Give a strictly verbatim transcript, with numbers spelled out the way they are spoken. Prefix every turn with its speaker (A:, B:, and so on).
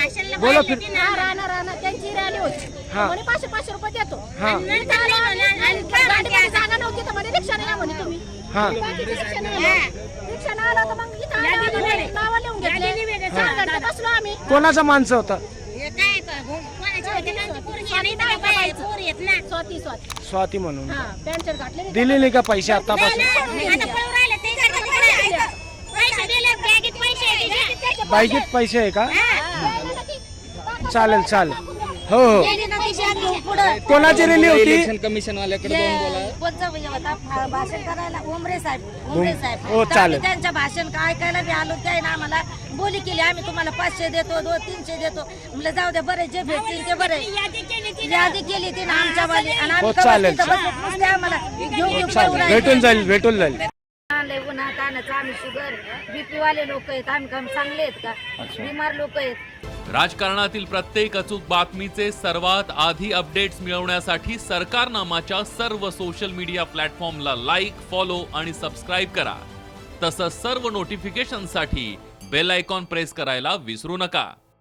A: बोला फिर
B: राहणार राहणार त्यांची रॅली होती
A: हा.
B: म्हणे पाचशे पाचशे रुपये देतो
A: हा.
B: गाडीमध्ये जागा नव्हती तर म्हणे रिक्षाने या म्हणे तुम्ही
A: हा.
B: बाकीचे रिक्षाने आले. रिक्षाने आला तर मग इथं आला आम्ही नावं लिहून घेतले चार घंटे बसलो आम्ही.
A: कोणाचा माणसं होता?
B: स्वाती स्वाती
A: स्वाती म्हणून.
B: हा पॅन्ट शर्ट घातले
A: दिले नाही का पैसे आतापासून? बाईकीत पैसे आहे का? चालेल चालेल. हो हो. कोणाची रॅली होती?
C: इलेक्शन कमिशन वाल्याकडे जाऊन बोला.
D: भाषण करायला उमरे साहेब उमरे साहेब
A: हो चालेल.
D: त्यांच्या भाषण का ऐकायला बी आलो त्या ना आम्हाला बोली केली आम्ही तुम्हाला पाचशे देतो दोन तीनशे देतो म्हणलं जाऊ द्या बरे जे भेटतील ते बरे यादी केली ती ना आमच्या वाली आणि
A: हो
D: आम्ही
A: चालेल.
D: नुसते आम्हाला घेऊन घेऊन
A: चालेल भेटून जाईल भेटून जाईल.
D: आणलंय उन्हा तानाचं आम्ही शुगर बीपी वाले लोक आहेत आम्ही काम चांगले आहेत का बिमार लोक आहेत.
E: राजकारणातील प्रत्येक अचूक बातमीचे सर्वात आधी अपडेट्स मिळवण्यासाठी सरकारनामाच्या सर्व सोशल मीडिया प्लॅटफॉर्मला लाईक, फॉलो आणि सबस्क्राईब करा. तसंच सर्व नोटिफिकेशनसाठी बेल आयकॉन प्रेस करायला विसरू नका.